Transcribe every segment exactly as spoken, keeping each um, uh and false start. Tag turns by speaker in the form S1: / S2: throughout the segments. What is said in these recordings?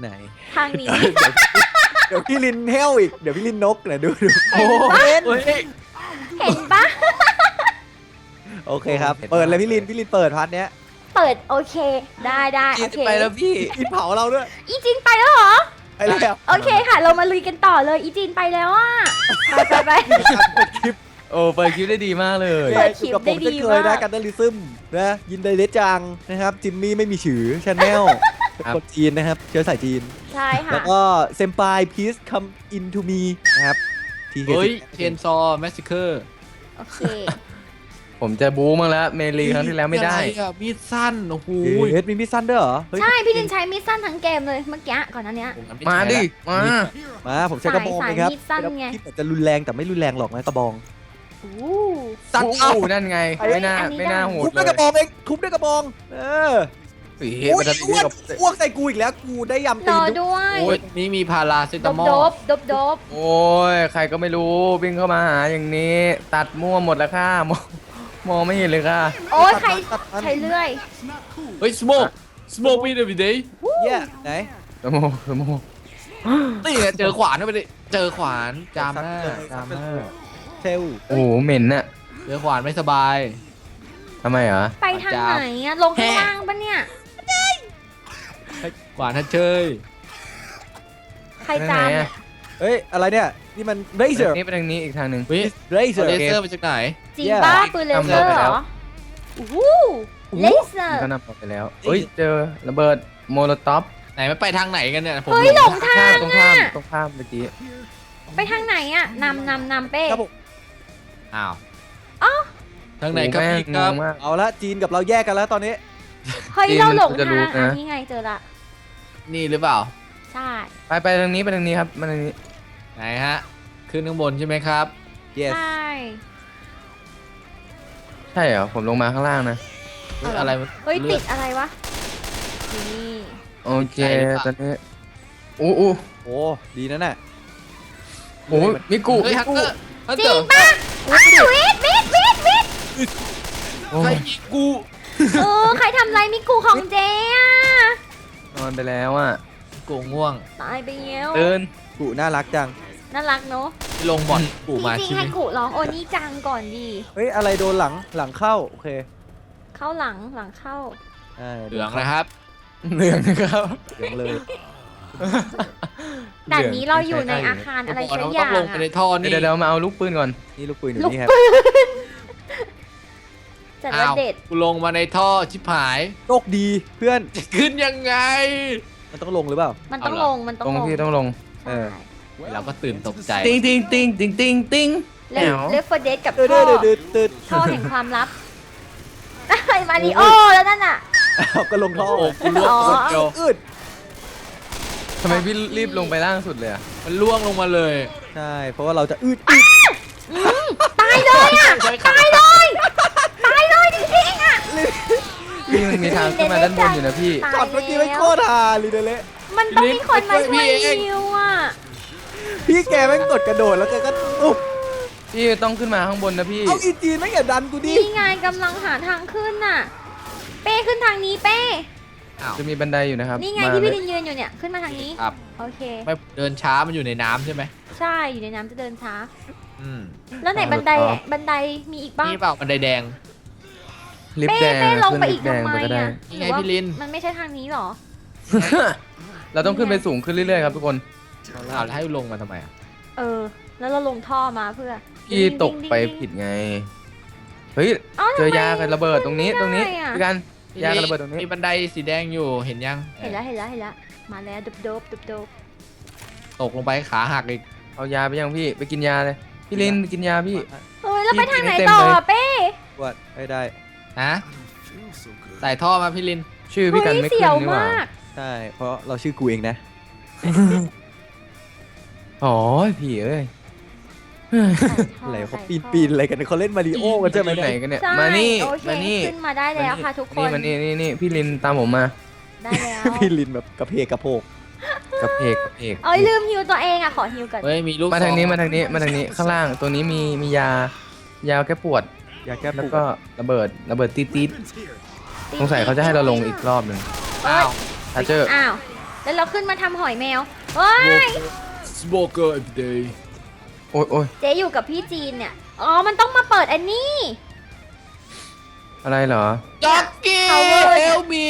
S1: ไหน
S2: ทางนี้
S1: เดี๋ยวพี่ลินเฮลอีกเดี๋ยวพี่ลินนกนะดูดู
S2: เห็นปะ
S1: เห็น
S2: เห็นปะ
S1: โอเคครับเปิดเลยพี่ลินพี่ลินเปิดพาร์ทเนี้ย
S2: เปิดโอเคได้ได้
S1: จี
S2: โอน เค
S1: ไปแล้วพี่จีนเผาเราด้วย
S2: อีจินไปแล้วเหรอ
S1: ไปแล้ว
S2: โอเคค่ะ เรามาลุยกันต่อเลยอีจินไปแล้วอ่ะไปไปไป
S1: เปิดคลิป
S3: โอ้เปิดคลิปได้ดีมากเลย
S2: เปิดคลิป
S1: กับผ
S2: ได้
S1: ม
S2: ดี
S1: จะเคยนะ
S2: มาก
S1: กันเดลิซึมนะยินไดเลจังนะครับจิมมี่ไม่มีฉือชาแนลเป็นคนจีนนะครับเชื้อสายจีน
S2: ใช่ค่ะ
S1: แล้วก็เซมปายพีซคัมอินทูมีนะครับที
S4: เฮ้ยเชนซอแมสซิเคอร์
S2: โอเค
S3: ผมจะบู๊มั้งแล้วเมลีครั้งที่แล้วไม่ได้
S4: มีดสั้นโอ้โห
S1: เฮ้ยมีมิสซันด้วยเหรอเฮ้ย
S2: ใช่พี่ลินใช้มีดสั้นทั้งเกมเลยเมื่อกี้ก่อนหนั้นเนี้ย
S3: มาดิมา
S1: มาผมใช้กระบอง
S2: สาย
S1: เลยครับ
S2: สายมีดสั้นไง
S1: ที่จะรุนแรงแต่ไม่รุนแรงหรอกนะกระบอง
S2: อู้
S1: ตัด
S3: โอ้
S1: เอา
S3: โหนั่นไงไม่น่า
S2: อันนี้
S3: ไม่น่า
S2: ได้
S3: โหด
S1: ทุบ
S3: เล
S1: ด้วย
S3: ย
S1: กระบองเองทุบด้วยกระบองเออ
S3: สี
S1: โอ้
S3: มัน
S1: ย
S3: จะ
S1: อ้
S3: ดี
S1: วน
S3: กับ
S1: อ้วกใส่กูอีกแล้วกูได้ยำ
S2: ร
S1: ตี
S2: อน ด้วย
S4: โอ้ยนี่มีพาราเซ
S2: ด
S4: ตา
S2: บ
S4: มอ
S2: ด
S4: ล
S2: บดบดบ
S3: โอ้ยใครก็ไม่รู้วิ่งเข้ามาหาอย่างนี้ ตัดมั่วหมดแล้วค่ะมองมองไม่เห็นเลยค่ะ
S2: โอ้ยใครใครเลื่อย
S4: เฮ้ยสโมกสโมกวีเดวิเดย์
S1: เย้ไหน
S3: สมองสมอง
S4: นี่ไงเจอขวานเข้าไปดิเจอขวานจามหน้า
S3: ตามมา
S1: เทล
S3: โอ้โหเหม็นน่ะ
S4: เจอขวานไม่สบาย
S3: ทำไมเหรอ
S2: ไปทางไหนอะลงข้างล่างปะเนี่ย
S4: ขวานทัดเชย
S2: ใครจามเนี่ย
S1: เฮ้ยอะไรเนี่ยนี่มันเรเซอร์
S3: นี่ไปทางนี้อีกทางหนึ่ง
S4: เฮ้ย
S1: เรเซอร์
S4: เลเซอร์มาจากไหน
S2: จริงป้าปืนเลเซอร์เหรอโอ้โหเลเซอ
S3: มัน
S2: ร์
S3: ก็นำไปแล้วเฮ้ยเจอระเบิดโมโลท็อป
S4: ไหนมันไปทางไหนกันเนี่ยผม
S2: เฮ้ยหลงทาง
S3: ตรง
S2: อะ
S3: ข้ามตรงข้ามเมื่อกี้
S2: ไปทางไหนอะนำนำนำเป้
S1: ครับผม
S4: อ้าว
S2: อ้าว
S4: ทางไหนครับ
S3: โอ้
S4: พี่
S3: แม่ง
S4: ครับ
S3: งงมาก
S1: เอาละจีนกับเราแยกกันแล้วตอนนี้
S2: เฮ้ย
S3: จริง
S2: เราหลง
S3: มันจะ
S2: ทา
S3: รู้
S2: งอัน
S3: นะ
S2: นี้ไงเจอละ
S4: นี่หรือเปล่า
S2: ใช่
S3: ไปไปทางนี้ไปทางนี้ครับมาทางนี้
S4: ไหนฮะขึ้นข้างบนใช่ไหมครับ
S1: yes
S2: ใช่
S3: ใช่เหรอผมลงมาข้างล่างนะ
S4: เฮ้ยอะไรมัน
S2: เฮ้ย
S4: เลื
S2: ติ
S4: อ
S2: ดอะไรวะนี่
S3: โอเคตอนนี้อู้อู้
S1: โอ้ดีนั่นน่ะ
S3: โอ้มิกุ
S4: เฮ้ย
S3: มิ
S4: ฮัก
S3: กุ
S4: เกอร์ฮัก
S2: จริ
S4: เกอง ร์
S2: ปะอ้าววิทวิทวิทวิท
S3: โอ้
S4: ใคร
S3: ย
S4: ยิงกู
S2: เออใครทำไรมิกูของเจ๊อะ
S3: นอนไปแล้วอ่ะ
S4: กูง่วง
S2: ตายไปแล้ว
S3: เดิน
S1: กูน่ารักจัง
S2: น่ารักเนอะ
S4: ที่ลงบอลกู
S2: จ
S4: มา
S2: ริง
S4: ใช่
S2: ๆ
S4: ไหม
S2: ให้กูร้องโอนี่จังก่อนดี
S1: เฮ้ยอะไรโดนหลังหลังเข้าโอเค
S2: เข้าหลังหลังเข้า
S1: อ่า
S4: เหลืองนะครับ
S3: เหลืองนะครับ
S1: เหลืองเลย
S2: ด่านนี้เราอยู่ในอาคารอะไร
S4: บก
S2: สัก
S4: ว่า
S2: อ
S4: เราต้
S2: ย่า
S4: อง งลงไปใน
S2: อะ
S4: ท่อนี่
S3: เดี๋ยวเดี๋ยวมาเอาลูกปืนก่อน
S1: นี่ลูกปืนอยู่
S2: ลูก
S1: นี่ครับ
S2: ปืนจัดว่า
S4: อ้าว
S2: เด็ด
S4: กูลงมาในท่อชิบหาย
S1: โชคดีเพื่อน
S4: จะขึ้นยังไง
S1: มันต้องลงหรือเปล่า
S2: มันต้อง
S4: เอาเหร
S2: ล
S4: อ
S2: งมันต้อง
S3: ตรง
S2: ลง
S3: ที่ต้องลง
S1: เออ
S4: เราก็ตื่นตกใจ
S3: ติงติงติงติงติงติง
S2: เลฟเลฟเฟอร์เดกับ
S1: เดือด
S2: ท่อ
S1: เดือดเดือดเดือด
S2: ท่อแห่งความลับไอ้มาริโอแล้วนั่นน่ะ
S1: เอาก็ลงท่อ
S4: โอ้กูล่วง
S2: อ๋อ
S4: คนเดียว
S1: อืด
S3: ทำไมพี่รีบลงไปล่างสุดเลยอ่ะ
S4: มันล่วงลงมาเลย
S1: ใช่เพราะว่าเราจะอืดอืด
S2: ตายเลยอ่ะ ตายเลย ตายเลยจริงๆอ่ะ
S3: พี่มันมีทางขึ้นมาด้านบนอยู่นะพี่
S2: ตาย
S1: ช็อตเมื่อกี้ไม่โคตรฮาลีเดเละ
S2: มันต้องมีคนมาช่วยฮิวอ่ะ
S1: พี่แกแม่งกดกระโดดแล้วแกก็อุ๊บ
S3: พี่ต้องขึ้นมาข้างบนนะพี่
S1: เอาอีจีนไม่อย่าดันกูดิ
S2: นี่ไงกำลังหาทางขึ้นน่ะ เป้ขึ้นทางนี้เป้
S4: อ้าว
S3: จะมีบันไดอยู่นะครับ
S2: นี่ไง
S3: มา
S2: ที่พี่
S3: เลย
S2: ลินยืนอยู่เนี่ย ขึ้นมาทางนี้
S4: ครับ
S2: โอเค
S4: ไม่เดินช้ามันอยู่ในน้ำใช่ไหม
S2: ใช่ อยู่ในน้ำจะเดินช้า
S4: อืม
S2: แล้วไหนบันไดบันไดมีอีกบ้าง
S4: นี่เปล่าบันไดแดง
S3: ลิฟ
S2: เป้
S3: ต์แดง
S2: เป้ลง
S3: ขึ้น
S2: ไป
S3: ลิ
S2: อี
S3: ฟ
S2: ก
S3: ต์แดง
S2: ทำไม
S3: ไปก็ได้
S2: อ่ะ
S4: นี่ไงพี่ลิน
S2: มันไม่ใช่ทางนี้หรอ
S3: เราต้องขึ้นไปสูงขึ้นเรื่อยๆครับทุกคน
S4: อ้าวแล้วให้ลงมาทำไมอ่ะ
S2: เออ แล้วเราลงท่อมาเพื่อ
S3: พี่ตกไปผิดไง เฮ้ย
S2: อ้าว
S3: เจอ
S2: ทำไม
S3: ยากับระเบิดตรงนี้ตรงนี้
S2: ไม่ได้อะ
S3: พี่กันยากับระเบิดตรงนี้
S4: มีบันไดสีแดงอยู่เห็นยัง
S2: เห็นแล้วเห็นแล้วเห็นแล้วมาแล้วดุบดบดุบดบ
S4: ตกลงไปขาหักอีก
S3: เอายาไปยังพี่ไปกินยาเลยพี่ลินกินยาพี่
S2: เฮ้ยแล้วไปทางไหน
S3: กินให้เต็ม
S2: ต่อ
S3: เลย
S2: อะเป้
S1: วัดไม่ได้
S4: ฮะใส่ท่อมาพี่ลิน
S3: ชื่อพี่กัน
S2: เฮ้ย
S3: ไม่
S2: เสี
S3: ขึ้น
S2: ยว
S3: นี่หว่าม
S2: าก
S1: ใช่เพราะเราชื่อกูเองนะ
S3: อ๋อพี่เอ้ย
S1: อะไรเขาปีนปีนอะไรกันเขาเล่นมาริโอกันใช่ไหม
S3: ไหน
S1: เนี่ย
S3: กันเนี่ย
S2: ใช่
S3: มานี่
S2: โอเค
S3: มานี่
S2: ขึ้นมาได้แล้วค่ะทุกคน
S3: นี่มานี่นี่นี่พี่ลินตามผมมา
S2: ได้แล้ว
S1: พี่ลินแบบกระเพกกระโพก
S3: กระเพกกระเพก
S2: เอ้ยลืมฮิวตัวเองอ่ะขอฮิวก่อน
S4: เฮ้ยมีลูก
S3: มาทางนี้
S4: ซอง
S3: มาทางนี้มาทางนี้ข้างล่างตัวนี้มีมียายาแก้ปวด
S1: อยากแก้
S3: แล้ว
S1: ปู
S3: ก็ระเบิดระเบิดตีดตีดสงสัยเขาจะให้เราลงอีกรอบหนึ่ง
S2: เอ้ย
S4: อ้าว
S3: ทัชเจอร์
S2: อ้าวแล้วเราขึ้นมาทำหอยแมวเฮ้ย
S4: สโมเกอร์ every day
S3: โอ้ยโอ้ย
S2: เจ๊อยู่กับพี่จีนเนี่ยอ๋อมันต้องมาเปิดอันนี้
S3: อะไรเหรอ
S4: จ็อกกี้
S2: Power
S4: เฮลมี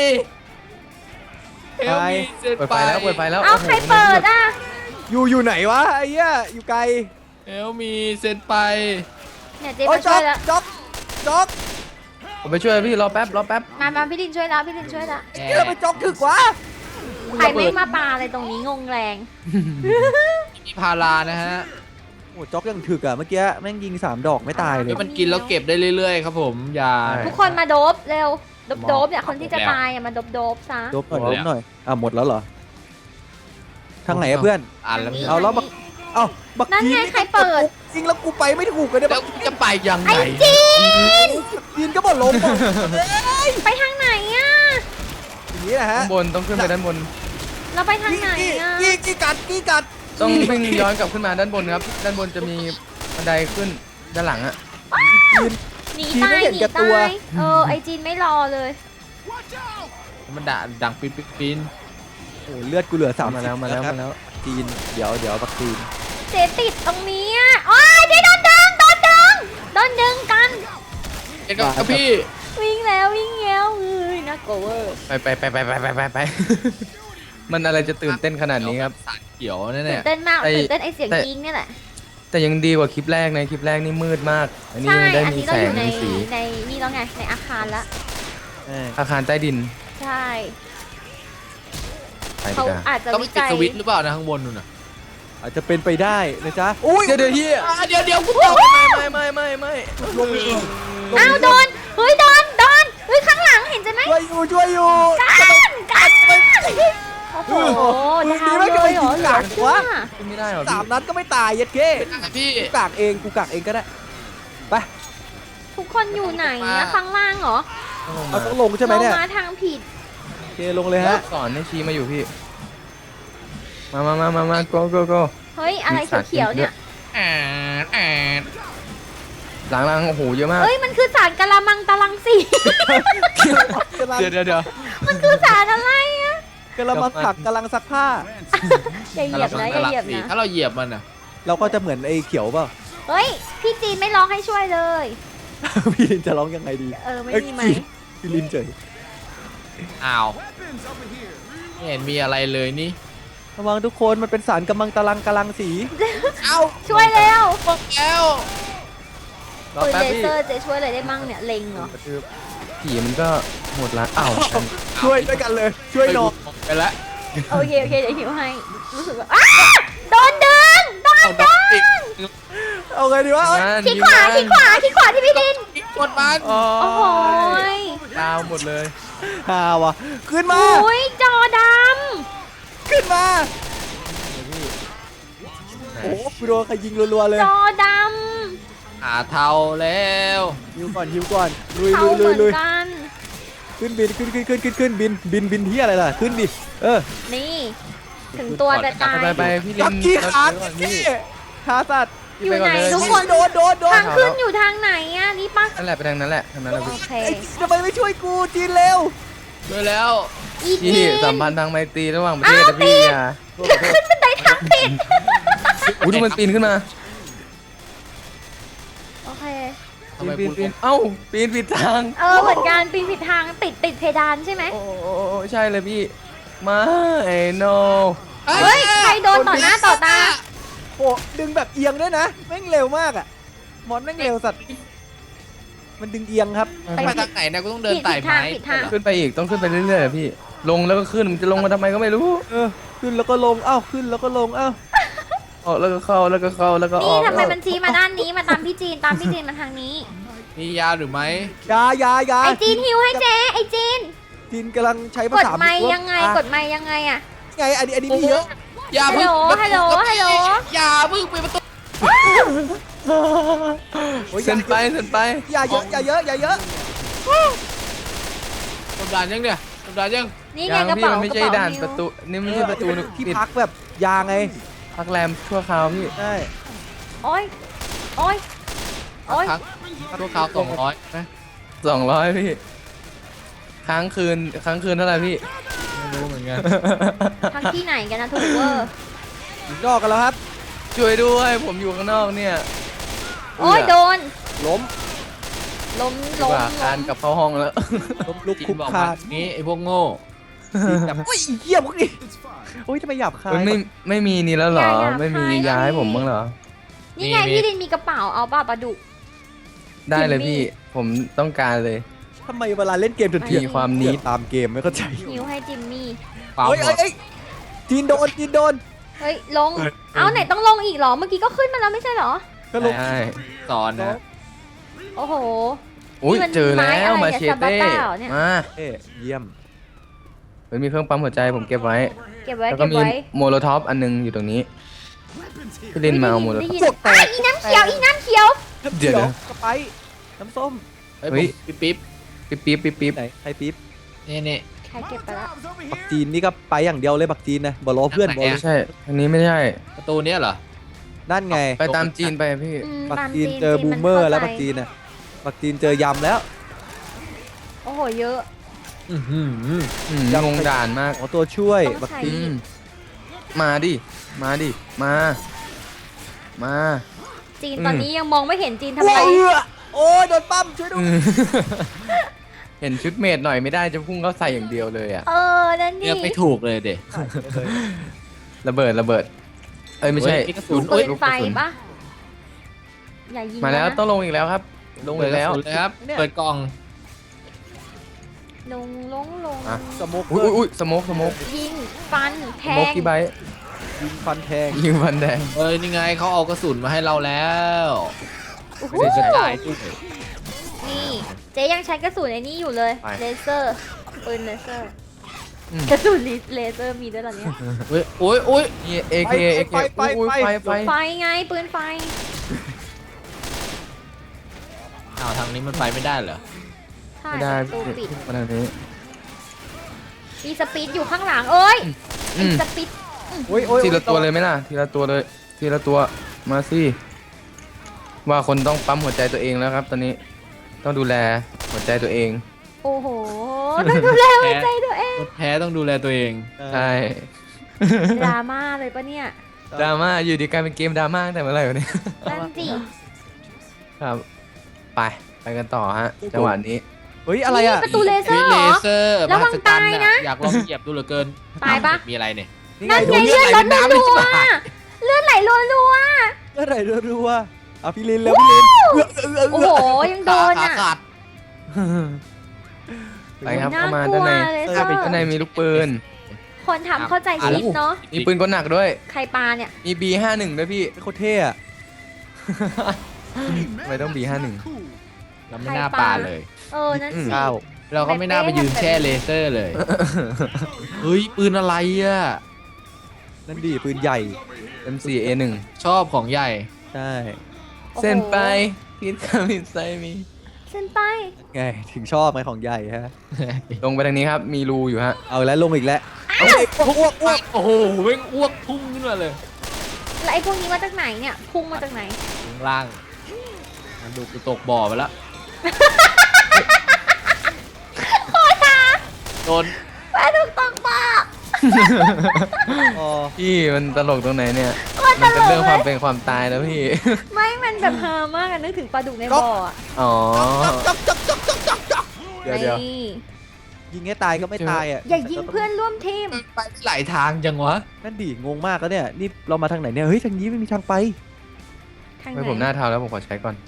S4: เฮลมีเสร็จ
S3: เปิด
S4: ไป
S3: ไฟแล้วเปิดไฟแล้ว
S2: เอา
S3: โโห
S2: ใครเปิดอ่ะ
S1: อยู่อยู่ไหนวะไอ้เหี้ยอยู่ไกล
S4: เฮลมีเสร็จไป
S2: เนี่ยเจ๊
S1: โอ้ย
S2: มา
S1: จ๊
S2: ช่
S1: อ
S2: วย
S1: ก
S2: แล้ว
S1: จ๊อกจ๊อก
S3: ผมไปช่วยพี่รอแป๊บรอแป๊บ
S2: มามาพี่ดินช่วยแล้วพี่ดินช่วยแล้ว
S1: เหี้ยไปจ๊อกถึกวะ
S2: ใครไม่มาปาอะไรตรงนี้งงแรง
S4: มีพารานะฮะ
S1: โอ้จ๊อกยังถึกอ่ะเมื่อกี้แม่งยิงสามดอกไม่ตายเลย
S4: แล้วมันกินแล้วเก็บได้เรื่อยๆครับผมอย่า
S2: ทุกคนมาโดบเร็วโดบโดบเนี่ยคนที่จะตายอ่ะมาโดบโดบซะ
S1: ลบหน่อย
S4: หมด
S1: ล
S4: แล้ว
S1: บหน่อยอ่ะหมดแล้วเหรอทางไหนอะเพื่อน
S4: อ่านแล้ว
S1: เอาแล้วบัก เอ้าบัก
S2: นั่นไง
S1: จี
S2: ใครเปิด
S1: จริงแล้วกูไปไม่ถูกเลยเนี่ย
S4: แล้
S1: บั
S4: ว
S1: ก
S4: จะไปยังไง
S2: ไอ้จีน
S1: จีนก็บอกลงหมด
S2: ไปทางไหนอ่ะ
S1: อย่างนี้นะฮะ
S3: ด้านบนต้องขึ้นไปด้านบน
S2: เราไปทางไหนอ่ะ
S1: กี้กี้กัดกี้กัด
S3: ต้องวิ่งย้อนกลับขึ้นมาด้านบนครับ ด้านบนจะมีบันไดขึ้นด้านหลังอะ
S2: หนีตายหนีตายเออไอจีนไม่รอเลย
S4: มันด่าดังปีนปีนปีน
S1: โอ้เลือดกูเหลือสาม
S3: มาแล้วมาแล้วมาแล้ว
S1: จีนเดี๋ยวเดี๋ยวบักจีน
S2: เจ๊ติดตรงนี้อ่ะโอ้ยเจ๊โดนดึงโดนดึงโดนดึงกัน
S4: เอ็งกับพี่
S2: วิ่งแล้ววิ่งแล้วเอ้ยน่ากลัวเวอร์
S3: ไปไปไปไปไปไปไปไป มันอะไรจะตื่นเต้นขนาดนี้ครับ
S4: สารเขียวแน่
S2: ตื่นเต้นมาก
S3: ไอ้
S2: ตื่นเต้นไอเสียง
S3: แต่
S2: จริงเนี่ยแหละ
S3: แต่ยังดีกว่าคลิปแรกในคลิปแรกนี่มืดมาก อันนี้
S2: ใช่
S3: ยังได้
S2: อัน
S3: มี
S2: นี้
S3: แส
S2: เราอง ยู่ใน
S3: มีสี
S2: ในนี่แล้วไงในอาคารละ
S1: เออ
S3: อาคารใต้ดิน
S2: ใช่
S3: ไปดี
S2: เขา
S3: กว่า
S2: อาจจะ
S4: ๆต้อง
S2: วิ
S4: ไปปิด
S2: จัย
S4: สวิตช์หรือเปล่านะข้างบนนู่นน่ะ
S1: อาจจะเป็นไปได้นะจ๊ะอุ้ย
S3: เดี๋ยวเดี๋ยวเฮีย
S4: อ่ะเดี๋ยวเดี๋ยวกูตก
S3: ไม่ไม่ไม่ไม่
S1: ลงอีก
S2: อ้าวโดนเฮ้ยโดนโดนเฮ้ยข้างหลังเห็นใช่ไหม
S1: ช่วยอยู่ช่วยอยู่
S2: กันกันโอ้โห
S1: มือ
S2: ดาว
S1: นี้ไม่
S2: เล
S1: เคย
S2: ยเหรอ
S1: ยิง
S2: เหลื
S1: กา
S2: อก เชื่
S1: วะ
S2: อ
S3: ขึ้นไม่ได้หรอ
S1: สา
S3: พี่
S1: มนัดก็ไม่ตายยัดเก้
S4: พี่
S1: กูกากเองกูกากเองก็ได้ไป
S2: ทุกคนอยู่ไหนอะข้างล่างเหรอ
S1: เอาต้องลงใช่ไหมเนี่ย
S2: รามาทางผิด
S1: โอเคลงเลยฮะ
S3: สอนให้ชี้มาอยู่พี่ มามามามามา go go go
S2: เฮ้ยอะไรเขียวๆเนี่ย
S4: แอนแอน
S3: หลังหลังโอ้โหเยอะมาก
S2: เอ้ยมันคือสารกะละมังตะลังสี
S3: เดี๋ยวเดี๋ยวเดี๋ยว
S2: มันคือสารอะไรอะ
S1: กำลังมาผักกำลังซักผ้า
S2: อย่าเหยียบนะอย่าเหยียบนะ
S4: ถ้าเราเหยียบมันอ่ะ
S1: เราก็จะเหมือนไอ้เขียวเปล่า
S2: เฮ้ยพี่จีนไม่ร้องให้ช่วยเลย
S1: พี่ลินจะร้องยังไงดี
S2: เออไม่
S1: เอ้ย
S2: มีไหม
S1: พี่ลินเฉย
S4: อ้าวไม่เห็นมีอะไรเลยนี่
S1: ระวังทุกคนมันเป็นสารกำลังตะลังกำลังสี
S4: เอ้า
S2: ช่วยเร็ว
S4: หมดแล้ว
S3: รอ
S2: ปืน
S3: แป๊บ
S2: เล
S3: พี่
S2: เซอร์เจะช่วยอะไรได้มั่งเนี่ยเล็งเหรอ
S3: กระทืบผีมันก็หมดละอ้าว
S1: ช่วยด้วยกันเลย ช่วยน้อง
S4: ไปแล้ว
S2: โอเคโอเคเดี๋ยวหิวให้รู้สึกว่าอ้าโดนดึงโดน
S4: เอาด
S2: ดึ
S4: อกติก
S2: ง
S1: เอาไงดีวะเอ้ย
S3: นั่น
S2: ที่ขวาที่ขวาที่ขวาที่พี่ดิน
S4: หมดมัน
S1: โอ้
S2: โอ้โหย
S3: ดาวหมดเลย
S1: ฮาวะขึ้นมา
S2: อุ้ยจอด
S1: ขึ้นมาโอ้โหกูโดนใครยิงรัวๆเลย
S2: ำจอด
S4: หาเทาแล้ว
S1: ฮิวก่อนฮิวก่อนลุย
S2: ำเขา
S1: ลุย
S2: เห
S1: ลุ
S2: มื
S1: ย
S2: อน
S1: ลุย
S2: กัน
S1: ขึ้นบินขึ้นขึ้นขึ้นขึ้นขึ้นบินบินบินที่อะไรล่ะขึ้นดิเออ
S2: นี่ ถึงตัวจะตาย
S3: ไปไปพี่ลิ
S1: จับ
S3: น
S1: กี้
S3: เรา
S1: ขา
S3: เจอก่อน
S1: พี่
S3: พี่
S1: ขาสัตว์
S2: อยู่ไหน
S3: พี่ปก่เล
S2: ทุกคน
S1: โดนโดนโดน
S2: ทางขึ้นอยู่ทางไหนอ่ะนี่ปะ
S3: นั่นแหละไปทางนั้นแหละทางนั้นแหละ
S2: โอ
S3: พี่
S2: เค
S1: ไอ้ทำไมไม่ช่วยกูจีนเร็ว
S4: ด้วยแล้ว
S2: อีจี
S3: พี่
S2: น
S3: สัมพันธ์ทางไมตรีระหว่างประเทศนะพี่อย่า
S2: ขึ้นบันไดทางผิด
S3: อุ้ยดูมันปีนขึ้นมา
S2: โอเค
S4: ทำไม
S3: ปีน
S4: กู
S3: ปีนเอ้าปีนผิดทาง
S2: เออเหมือนกันปีนผิดทางติดติดเพดานใช่ไหม
S3: โอ้โอ้โอ้ใช่เลยพี่ไม่โน
S2: เฮ้ยใครโดนต่อหน้าต่อตา
S1: โอ้ดึงแบบเอียงด้วยนะแม่งเร็วมากอ่ะมอนแม่งเร็วสัตว์มันดึงเอียงครับ
S2: ไป
S4: ไปทางไหนนะกูต้องเดินไต่ไม้
S2: ผิดทางผิดทาง
S3: ขึ้นไปอีกต้องขึ้นไปเรื่อยๆพี่ลงแล้วก็ขึ้นมันจะลงมาทำไมก็ไม่รู้
S1: เออขึ้นแล้วก็ลงอ้าวขึ้นแล้วก็ลงอ้าว
S3: ออกแล้วก็เข้าแล้วก็เข้าแล้วก็อ
S2: นี่
S3: อก
S2: ทำไมมันชี้มาด้านนี้มาตามพี่จีนตามพี่จีนมาทางนี้
S4: มียาหรือไม่
S1: ยายายา
S2: ไอจีนฮิวให้เจ๊ไอจีน
S1: จีนกำลังใช้ภาก
S2: ด
S1: ษา
S2: ไม้
S1: ว่า
S2: ยังไง
S1: อ่ะ
S2: กดไม้ยังไงอะ
S1: ไงอันนี้อันนี้มีเยอะ
S4: อย่าเพิ่ง
S2: ฮัลโหลฮัลโหลฮัลโหล
S4: อย่าเพิ่งปิดประตู
S1: โอ้ย
S3: เส้นไปเส้นไป
S1: อย่าเยอะอย่าเยอะอย่าเยอะ
S4: กดด่านยังเนี่ยกดด่านยัง
S2: นี่ไง
S3: ยัง
S2: กระ
S3: พี่
S2: เป๋า
S3: มันไม่
S2: กระ
S3: ใช่
S2: เป๋า
S3: ด่าน
S2: ฮิว
S3: ประตูนี่ไม่ใช่ประตู
S1: ที่
S3: ปิด
S1: พักแบบยาไง
S3: พักแรมชั่วคราวพี่
S1: ใช่
S2: โอ้ยโอ้ยโอ้ย
S4: ครั้งตัวขาวสองร้อยนะ
S3: สองร้อยพี่ค้างคืนค้างคืนเท่าไหร่พี่
S4: ไม่รู้เหมือนมือนกัน
S2: ทางที่ไหนกันนะถูกเวอร์
S1: ถึงนอกกันแล้วครับ
S3: ช่วยด้วย ผมอยู่ข้างนอกเนี่ย
S2: โอ้ยโดน
S1: ล้ม
S2: ล้ม
S3: ดี
S2: ล้
S3: ก
S2: ม
S3: ว่า
S2: ล้
S3: คาน
S2: ม
S3: กลับเข้าห้องแล้ว
S1: ล้มลุก
S4: จี
S1: คุ
S4: น
S1: ก
S4: บอก
S1: คา
S4: ว่าน นี้ไอ้พวกโง่
S1: จีนแบบโอ้ยเหี้ยพวกนี้โอ้ยทำไมหยาบคาย
S3: เฮ้ยไม่ไม่มีนี่แล้วเหรอ ไม่มียาให้ผมบ้างเหรอ
S2: นี่ไงพี่ลินมีกระเป๋าเอาป่ะปลาดุก
S3: ได้เลย
S2: จิมมี่
S3: พี่ ผมต้องการเลย
S1: ทำไมเวลาเล่นเกมเถื่อน
S3: มีความนิด
S1: ตามเกมไม่เข้าใจ
S2: หิวให้จิมมี่
S4: เปล่า
S1: เฮ้ย
S4: หม
S1: เอ้
S4: ด
S1: ยเอ้ยจีนโดนจีนโดน
S2: เฮ้ยลง เอาไหนต้องลงอีกเหรอ เมื่อกี้ก็ขึ้นมาแล้วไม่ใช่เหรอ
S1: ก็ลง
S3: ใช่
S4: สอนนะ
S2: โอ้โห
S3: อุ้ย
S2: นี่มัน
S3: เจอแล้ว
S2: ไม้อะไร
S3: มา
S2: เนี่ย
S3: เช
S2: ซาบา
S3: เต้
S2: ต้าเหรอเนี่ย
S3: มา
S1: เอ้ยเยี่ยม
S3: เฮ้ยมีเครื่องปั๊มหัวใจผมเก็บไว้
S2: เก็บไว้
S3: แล้วก็
S2: เก็บ
S3: มี
S2: ไว้
S3: โมโลท็อปอันนึงอยู่ตรงนี้พี่ลินมาเอาโมโล
S2: ได้
S3: ท็อป
S2: ยินอ่ะอีน้ำเขียวอีน้ำเขียว
S3: เดี๋ยว
S1: กระไปน้ำส้ม
S4: เฮ้ย
S3: เฮ้ย
S4: ผมปิ๊บ
S3: ปิ๊บปิ๊บปิ๊บปิ๊บ
S1: ไหนใครปิ๊บ
S4: นี่นี่
S2: ใครเก็บไปละ
S1: บักจีนนี่ก็ไปอย่างเดียวเลยบักจีนนะบอลล้อเพื่อนบอล
S3: ไม่ใช่ อันนี้ไม่ใช่
S4: ประตูเนี้ยเหรอ
S1: นั่นไง
S3: ไปตามจีนไปพี่
S2: อืม
S1: บัก
S2: ตาม
S1: จีนเจอบูมเมอร์แล้วบัก
S2: น
S1: จีนน่ะบักจีนเจอยำแล้ว
S2: โอ้โหเยอะ
S4: อื้อหือ
S3: อืมงงด่านมาก
S1: อ๋อตัวช่วย
S2: ต้อง
S1: บัก
S2: ใช้
S1: จี
S3: อื
S1: น
S3: มมาดิ มาดิ มา มา
S2: จีน
S3: อืม
S2: ตอนนี้ยังมองไม่เห็นจีนทำอะไร
S1: เอื้อโอ้ยโดนปั้มช่วยด้ว
S3: อื
S1: ย
S3: ม เห็นชุดเมดหน่อยไม่ได้จะพุ่งเข้าใส่อย่างเดียวเลยอะ
S2: เออ นั่น
S4: เลื
S2: นี่
S4: อกไม่ถูกเลยเด็
S3: ระเบิดระเบิด เอ้ยไม่ใช่
S4: เฮ้ยมีกระสุน
S2: ปื
S3: ลู
S2: น
S3: กก
S2: ไฟ
S3: ระสุน
S2: ปะอย่ายิง
S3: มาแล้ว
S2: นะ
S3: ต้องลงอีกแล้วครับ ลงอีกแล้ว
S4: เปิดกระสุนเลยครับ เปิดกล่อง
S2: ลงลงลง
S3: อ่ะ
S1: สโมก
S3: อุ้ยอุ้ยอุ้ยสโมกสโมก
S2: ยิงฟันแท
S3: สโมก
S2: ง
S3: กี่ใบ
S1: ยิงฟันแทง
S3: ยิงฟันแดง
S4: เอ้ยนี่ไงเขาเอากระสุนมาให้เราแล้ว
S2: โอ้โห
S4: ไม่ได้จะตายด้วย
S2: นี่เจ๊ยังใช้กระสุนไอ้นี่อยู่เลย
S3: ไป
S2: เลเซอร์ปืนเลเซอร์
S3: อืม
S2: กระสุนเลเซอร์มีด้วยเหรอเนี่ย
S4: เฮ้ยโอ้ยโอ้ย
S3: นี่เอเคเอเคอุ้ยไฟไฟ
S2: ไฟไงปืนไฟ
S4: อ้าวทางนี้มันไปไม่ได้เหรอ
S2: ใช่
S3: ไม่ได้
S2: ประตูปิด
S3: มาทางนี้
S2: มีสปีดอยู่ข้างหลังเอ้ย
S3: อืม
S2: สปีด
S1: โอ้ยโอ้ย
S3: ทีละตัวเลยไหมล่ะ ทีละตัวเลย ทีละตัว มาสิ ว่าคนต้องปั๊มหัวใจตัวเองแล้วครับ ตอนนี้ ต้องดูแลหัวใจตัวเอง
S2: โอ้โหต้องดูแลหัวใจตัวเอง
S4: คนแพ้ต้องดูแลตัวเอง
S3: ใช่
S2: ดราม่าเลยปะเนี่ย
S3: ดราม่าอยู่ดีกลายเป็นเกมดราม่าตั้งแต่เมื่อไหร่วะเนี่ย
S2: นั่นสิ
S3: ครับ ไป ไปกันต่อฮะ จังหวะนี้
S1: เฮ้ยอะไรอ่ะ
S2: นี่ประตูเลเซอ
S4: ฮ้ย
S2: ร์เหร
S4: เล
S2: อ
S4: เซอร์
S2: ระวัง
S4: มหัศจรร
S2: ตาย
S4: ย์
S2: นะ
S4: อยากลองเหยียบดูเหลือเกิน
S2: ตายปะ
S4: มีอะไรเนี่ย
S2: นั่นไง
S1: ดู
S2: เลือดลด
S4: น้ำ
S2: รั
S4: เลยว จะ
S2: ๆ
S4: บาด
S2: เลือดไหลรัว
S1: เมื่อไหร่รัวๆเอาพี่ลินแล้วพี่ลินเอื้อเอื้อ
S2: ๆโอ้
S1: เอื้
S2: โห
S1: อ
S2: ยังโดน
S4: ขา
S2: อ่ะ
S4: ขาด
S3: ไปครับ
S2: น่า
S3: เข้าก มาก ด้า
S2: ลั
S3: น
S2: ว
S3: ใน
S2: เลย
S1: เออ
S2: เซอ
S3: ด้านใน
S2: ร์
S3: มีลูกปืน
S2: คนทำเข้าใจชีวิตเนาะ
S3: มีปืนกลหนักด้วย
S2: ใครปาเนี่ย
S3: มี บี ห้าสิบเอ็ด ด้วยพี่
S1: โคตรเท่อะ
S3: ทำไมต้อง บี ห้าสิบเอ็ด
S4: เราไม่น่าปาเลย
S2: เออ นั่นสิ
S1: เก้า
S4: เราก็ไม่น่าไปยืนแช่เลเซอร์เลย เฮ้ย ปืนอะไรอ่ะ
S1: นั่นดีปืนใหญ่
S3: เอ็ม โฟร์ เอ หนึ่ง
S4: ชอบของใหญ่
S1: ใช่
S2: โอ้โห
S3: เส้นไปพิษคามินไซมี
S2: เส้นไป
S1: ไงถึงชอบไงของใหญ่ฮะ
S3: ลงไปทางนี้ครับ มีรูอยู่ฮะ
S1: เอาแล้วลงอีกแล้วเอาอีกอ้วกอ้วก
S4: โอ้โหเว้งอ้วกพุ่งขึ้นมาเลย
S2: แล้วไอ้พวกนี้มาจากไหนเนี่ย พุ่งมาจากไหน
S4: ข้างล่างมันดูกูตกบ่อไปแล้วโดน
S2: แม่ถูกตกปาก
S1: อ๋อ
S3: พี่มันตลกตรงไหนเนี่ย
S2: โคตรต
S3: มัน
S2: ล
S3: เป็น
S2: ก
S3: เรื่อง
S2: เล
S3: ความ
S2: ย
S3: เป็นความตายแล้วพี่
S2: ไม่มันแบบฮามากอะนึกถึงปลาดุกในบ่ออะ
S3: อ๋อ เดี๋ยวเดี๋ยว
S2: นี่
S1: ยิงให้ตายก็ไม่ตายอ่ะ
S2: อย่ายิงเพื่อนร่วมทีม
S4: ไปหลายทางจังวะ
S1: นั่นดิงงมากแล้วเนี่ยนี่เรามาทางไหนเนี่ยเฮ้ยทางนี้ไม่มีทางไป
S2: ทางไห
S3: ไม่
S2: น
S3: ผมหน้าเท้าแล้วผมขอใช้ก่อน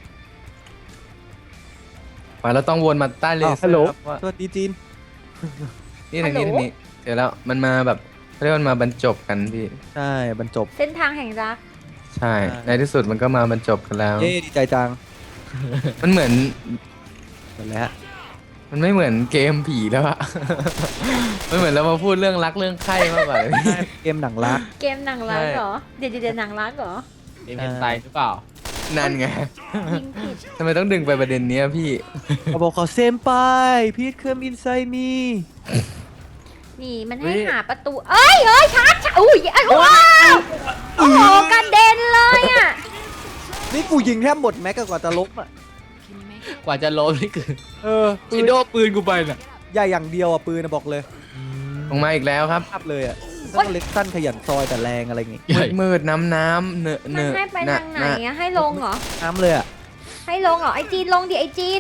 S3: ไปแล้วต้องวนมาใต้เล
S1: อ้าว
S3: เซอ
S1: ฮัลโหล
S3: ร์ครับว่า
S1: สวัสดีจีน
S3: นี่ทางนี้ทางนี้เดี๋ยวแล้วมันมาแบบเขาเรียกว่ามันมาบรรจบกันพี่
S1: ใช่บรรจบ
S2: เส้นทางแห่งรัก
S3: ใช่
S1: ใช่
S3: ในที่สุดมันก็มาบรรจบกันแล้ว
S1: เย้ดีใจจัง
S3: มันเหมือน
S1: หมดแล้ว
S3: มันไม่เหมือนเกมผีแล้วอะ มันเหมือนเรามาพูดเรื่องรักเรื่องไข้มากกว่าเลยพี่
S1: เกมหนังรัก
S2: เกมหนังรัก
S3: ใช่
S2: เหรอ เดี๋ยวเดี๋ยวหนังรักเหรอ
S4: เอ็มเอ็นไตหรือเปล่า
S3: นั่นไง
S2: ยิงผิด
S3: ทำไมต้องดึงไปประเด็นเนี้ยพี่
S1: เขาบอกเขาเซมไปพีทเคมอินไซมี
S2: นี่มัน
S3: เฮ้
S2: ให้
S3: ย
S2: หาประตู เอ้ยเอ้ยชาร์จชาร์จอุ้ยเอ้ยว้าวโอ้โหกระเด็นเลยอ่ะ
S1: นี่กูยิงแทบหมดแม็กกว่าจะล้มอ่ะ
S4: กว่าจะล้มนี่คือ
S1: เออปื
S4: ชิ
S1: น
S4: โดปืนกูไปน่ะ
S1: ใหญ่อย่างเดียวอ่ะปืนนะบอกเลย
S3: ผลงมาอีกแล้วครับ
S1: ภาพเลยอ่ะต้องเล็กสั้นขยันซอยแต่แรงอะไรอย่างงี้
S3: มืดมืดน้ำน้ำเนอะ
S2: มั
S3: เน
S2: น
S3: อะ
S2: ให้ไปทางไหนอะให้ลงเหรอ
S1: น้ำเลยอ่ะ
S2: ให้ลงเหรอไอจีนลงดิไอจีน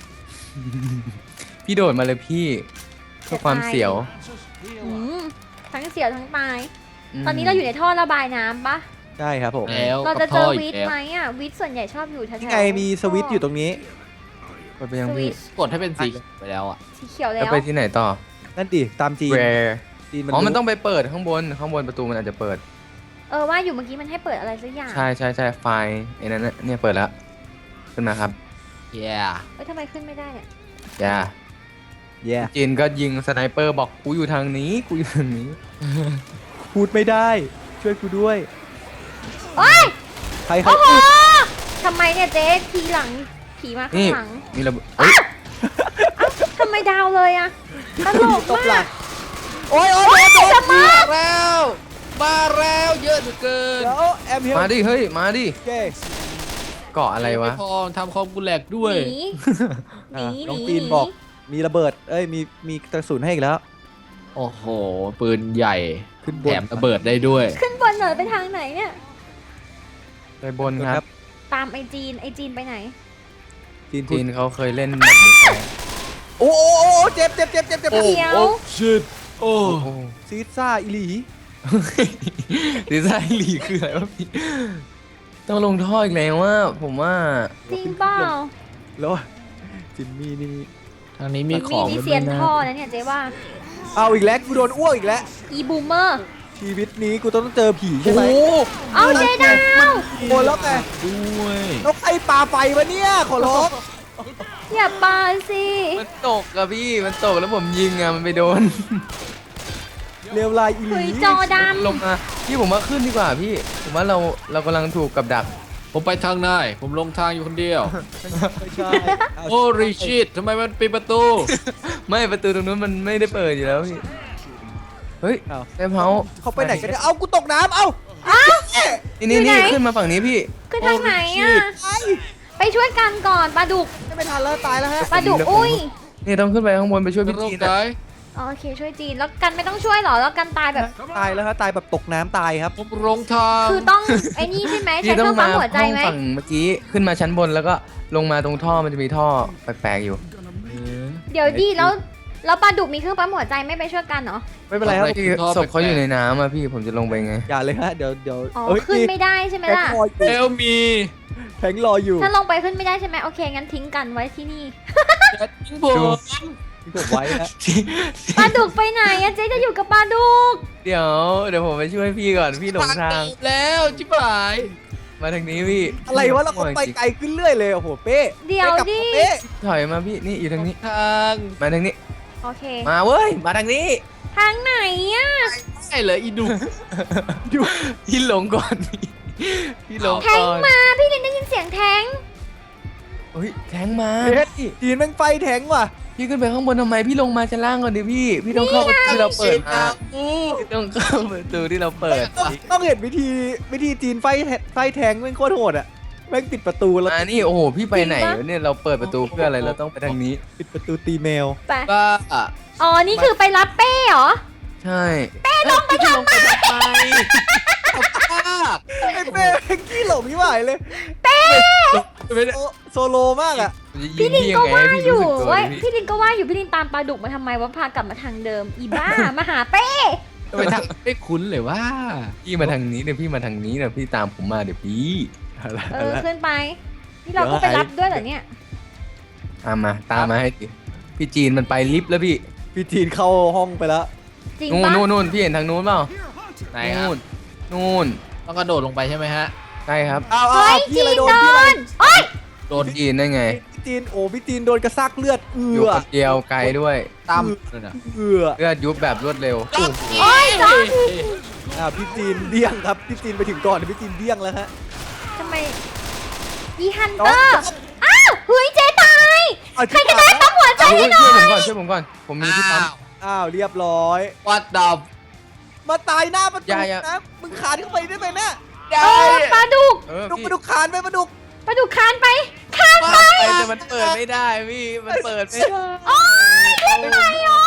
S3: พี่โดดมาเลยพี่เพื่อความเสียว
S2: อืมทั้งเสียวทั้งตาย ตอนนี้เราอยู่ในท่อระบายน้ำปะ
S1: ใช่ครับผม
S4: แล้ว
S2: เรา
S4: กั
S2: จะ
S4: บ
S2: เจ
S4: ท่อ
S2: อ
S4: อี
S2: วิ
S4: ก
S2: ทย์
S4: แล้ว
S2: ไหมอ่ะวิทย์ส่วนใหญ่ชอบอยู่แถวๆ
S1: นี่ไงมีสวิตช์อยู่ตรงนี้
S3: กดไปยัง
S2: สวิ
S3: พี่
S2: ตช์
S4: กดให้เป็นสีไปแล้วอ่ะ
S2: สีเขียวแล้
S3: แล้ว
S2: ว
S3: ไปที่ไหนต่อ
S1: นั่นดิตามจีน
S3: Where
S1: จีนมัน
S3: อ๋อมัน
S1: รู้
S3: ต้องไปเปิดข้างบนข้างบนประตูมันอาจจะเปิด
S2: เออว่าอยู่เมื่อกี้มันให้เปิดอะไรสักอย่าง
S3: ใช่ใช่ใช่ไฟล์ไอ้นั้นน่ะเนี่ยเปิดแล้วขึ้นมาครับ
S4: แย่
S2: เอ้ยทำไมขึ้นไม่ได้เนี่ย
S3: อย่า
S1: แย่
S3: จีนก็ยิงสไนเปอร์บอกกูอยู่ทางนี้กูอยู่ทางนี้
S1: พูดไม่ได้ ช่วยกูด้วย
S2: โอ้ย
S1: ใครใคร
S2: โอ้โหทำไมเนี่ยเจ๊ทีหลังผีมาข้า
S3: นี่
S2: งหลัง
S3: มีระเบิดเอ้ย
S2: ทำไมดาวเลยอะตลก
S1: ตบหลั
S2: มาก
S1: งโอ้ยโอ้
S2: โอ้
S1: ย
S2: ย
S1: โดน
S2: จะมา
S4: มาแล้วมาแล้วเยอะเหลือเกิน
S1: เดี๋ยวแอมเฮล
S3: มาดิเฮ้ยมาดิ
S1: เก้
S3: เกาะอะไรวะ
S4: ม่พอทำคอมกูแหลกด้วย
S2: หนีหนีห
S1: น้อง
S2: นี
S1: ปีนบอกมีระเบิด เอ้ยมีมีกระสุนให้อีกแล้ว
S4: โอ้โหปืนใหญ่
S1: ขึ้นบ
S4: แถ
S1: น
S4: มระเบิดได้ด้วย
S2: ขึ้นบนเหนอไปทางไหนเนี่ย
S3: ไปบนครับ
S2: ตามไอจีนไอจีนไปไหน
S1: จีนพู
S3: จี
S1: ด
S3: นเขาเคยเล่นแบบนี้ไป
S1: โอ้โอ้โอ้เจ็บเจ็บเจ็บเจ็บเจ็บ
S2: โอ้ เดี๋ยว
S4: ชิดโอ้
S3: โอ้โห
S1: ซีซ่าอิลี
S3: ดีไซน์หลีคืออะไรวะพี่ต้องลงท่ออีกแล้วว่าผมว่า
S2: จริงเปล่า
S1: แล้วจิมมี่นี่
S4: ทางนี้มีข
S2: มี
S4: อง
S2: ดีเซียนท่อนะเนี่ยเจ๊ว่า
S1: เอาอีกแล้วกูโดนอ้วกอีกแล้ว
S2: อีบูมเมอร์
S1: ชีวิตนี้กูต้องเจอผีใช่ไหม
S2: เอาเจ๊ดาว
S1: โอ้แล้วไง
S4: ด้วย
S1: นกไอ้ปลาไฟวะเนี่ยขอร้อง
S2: อย่าปาสิ
S3: มันตกอะพี่มันตกแล้วผมยิงอะมันไปโดน
S1: เร็วลายอีห
S2: เฮ้
S1: ลี
S2: ยจอด
S3: ลงมาพี่ผมว่าขึ้นดีกว่าพี่ผมว่าเราเรากำลังถูกกับดัก
S4: ผมไปทางไหนผมลงทางอยู่คนเดียว
S1: ไม่ใช่เอา
S4: โอ้ริชิตทำไมมันปิดประตู
S3: ไม่ประตูตรงนู้นมันไม่ได้เปิดอยู่แล้วพี่เฮ้ย
S1: เอา
S3: เซฟเฮาส์
S1: เขาไปไหนกันเนี่ยเอากูตกน้ำเอา
S2: ำอ้าว
S3: นี่นี่นี่ขึ้นมาฝั่งนี้พี่
S2: ขึ้นทางไหนอ่ะ
S1: ไอ้
S2: ไปช่วยกันก่อนปลาดุก
S1: ไม่ทันแล้วตายแล้วฮะ
S2: ปลาดุกอุ้ย
S3: นี่ต้องขึ้นไปข้างบนไปช่วย
S4: เป็น
S3: พี่
S4: โร
S3: จี
S4: คน ไหน
S3: อะ
S2: อ๋อโอเคช่วยจีนแล้วกันไม่ต้องช่วยหรอแล้วกันตายแบบ
S1: ตายแล้วฮะตายแบบตกน้ำตายครับ
S4: ผมลงทาง
S2: คือต้องไอ้นี่ใช่ไหม
S3: พี่
S2: ใช้เค
S3: ต้อ
S2: รื่
S3: ง
S2: อง
S3: มา
S2: ปั๊มหัวใจ
S3: ห้อง
S2: ไหม
S3: ฝั่งเมื่อกี้ขึ้นมาชั้นบนแล้วก็ลงมาตรงท่อมันจะมีท่อแปลกๆอยู่
S4: เออ
S2: เดี๋ยวดีแล้วแล้วปลาดุกมีเครื่องปั๊มหัวใจไม่ไปช่วยกันเหรอ
S1: ไม่เป็นไรครับ
S4: อะไร
S3: พี่ศพเขาอยู่ในน้ำอะพี่ผมจะลงไปไง
S1: อย่าเลยฮะเดี๋ยวเดี๋ยว
S2: อ๋อ
S1: เอ้ย
S2: ขึ้นไม่ได้ใช่ไหม
S1: แทง
S2: ล่ะ
S1: รออยู่
S4: เอลมี
S1: แทงรออยู่
S2: ถ้าลงไปขึ้นไม่ได้ใช่ไหมโอเคงั้นทิ้งกันไว้ที่นี่
S4: จะทิ้งผม
S1: ที่ผมไว้ฮะ
S2: ปลาดุกไปไหนอะเจ๊จะอยู่กับปลาดุก
S3: เดี๋ยวเดี๋ยวผมไปช่วยพี่ก่อนพี่หลงทาง
S4: แล้วจิ๋บหาย
S3: มาทางนี้พี่
S1: อะไรวะเราก็ไปไกลขึ้นเรื่อยเลยโอ้โหเป้
S2: เดี๋ยว
S1: ไปกลับ
S2: ดิ
S1: มาเป้
S3: ถอยมาพี่นี่อยู่ทางนี้
S4: ทาง
S3: มาทางนี้
S2: โอเค
S3: มาเว้ยมาทางนี้
S2: ทางไหนอะ
S4: ใช่เลยอีดุ
S3: พี่หลงก่อนพี่พี่หลง
S2: แท
S3: ก่
S2: ง
S3: อน
S2: มาพี่ลินได้ยินเสียงแทง
S3: เฮ้ยแทงมา
S1: เฮ้ยจีนแม่งไฟแทงว่ะ
S3: พี่ขึ้นไปข้างบนทำไมพี่ลงมาชั้นล่างก่อนดิพี่พี่ต้องเข้าประตูที่เราเปิดมาพี่ต้องเข้าประตูที่เราเปิด
S1: ต้องต้องเห็นวิธีวิธีจีนไฟแทไฟแทงแม่งโคตรโหดอ่ะแม่งปิดประตูแล้ว
S3: มานี่โอ้โหพี่ไปไหนวะเนี่ยเราเปิดประตูเพื่ออะไรเราต้องไปทางนี้
S1: ปิดประตูตีแมว
S2: ไป
S4: บ้า
S2: อ๋อนี่คือไปรับเป้เหรอ
S3: ใช่
S2: ลงไปทำไม
S4: บ้า
S1: ไอ้เป้แม่งขี้หลงที่หายเลย
S4: ไม่ได้
S1: โซโซโลมากอ่ะ
S2: พี่ลินก็ว่า
S3: พี่
S2: อ
S3: รู้
S2: ยู่
S3: สึกตัว
S2: ว่า
S3: ดิ
S2: พี่ลินก็ว่าอยู่พี่ลินตามปลาดุกมาทำไมวะพากลับมาทางเดิมอีบ้า มาหาเป้
S4: ไปทางไม่คุ้นเลยว่า
S3: พี่มาทางนี้เดี๋ยวพี่มาทางนี้เดี๋ยวพี่ตามผมมาเดี๋ยวพี่
S2: เออขึ้นไปนี่เราก็ไปรับด้วยเหรอเนี่ย
S3: ตามมาตามมาให้ดิพี่จีนมันไปลิฟต์แล้วพี่
S1: พี่จีนเข้าห้องไปแล้ว
S2: จริง
S3: นู่น
S2: ปะ
S3: นู่นนู่นพี่เห็นทางนู้นเปล่า
S4: ไหนครับ
S3: นู่นนู่น
S4: ต้องกระโดดลงไปใช่ไหมฮะ
S3: ใช่ครับ
S1: เอาเอา
S2: เฮ้ย
S1: เอาพี่
S2: จี
S1: อะไร
S2: น
S1: โด
S2: โด
S1: นพี่อะไร
S2: นโอ๊ย
S4: โดน
S3: จีนได้ไง
S1: พี่จีนโอ้พี่จีนโดนกระซากเลือดเอื
S3: อยู่
S1: อ
S3: คนเดียวไกลด้วย
S4: ตั้มนั่นน่ะ
S1: เอือ
S3: เลือดยุบแบบรวดเร็ว
S2: โอ๊ยจอน
S1: อ่าพี่จีนเดี้ยงครับพี่จีนไปถึงก่อนพี่จีนเดี้ยงแล้วฮะ
S2: ทำไมอีฮันเตอร์อ้าวเฮ้ยเจ๊ตาย
S1: เอา
S2: ใครก็ได้ปั๊มหัวใจ
S3: ช่วย
S2: ให้หน่
S3: ช่
S2: อ
S3: วย
S2: ย
S3: ผมก่อนช่วยผมก่อนผมมีที่ปั๊ม
S1: อ้าวเรียบร้อย
S4: วัดดับ
S1: มาตายหน้าประตู
S3: อย่าอย่า
S1: นะมึงคานเข้าไปได้ไหมเนี่ย
S2: เออปลาดุก
S3: เออ
S1: ดุก
S3: พี่
S1: มาดุกคานไปมาดุก
S2: ปลาดุกคานไปคาน
S3: ไปแต่มันเปิดไม่ได้พี่มันเปิดไม่ได้
S2: โอ๊ยเล่นไงอ๋อ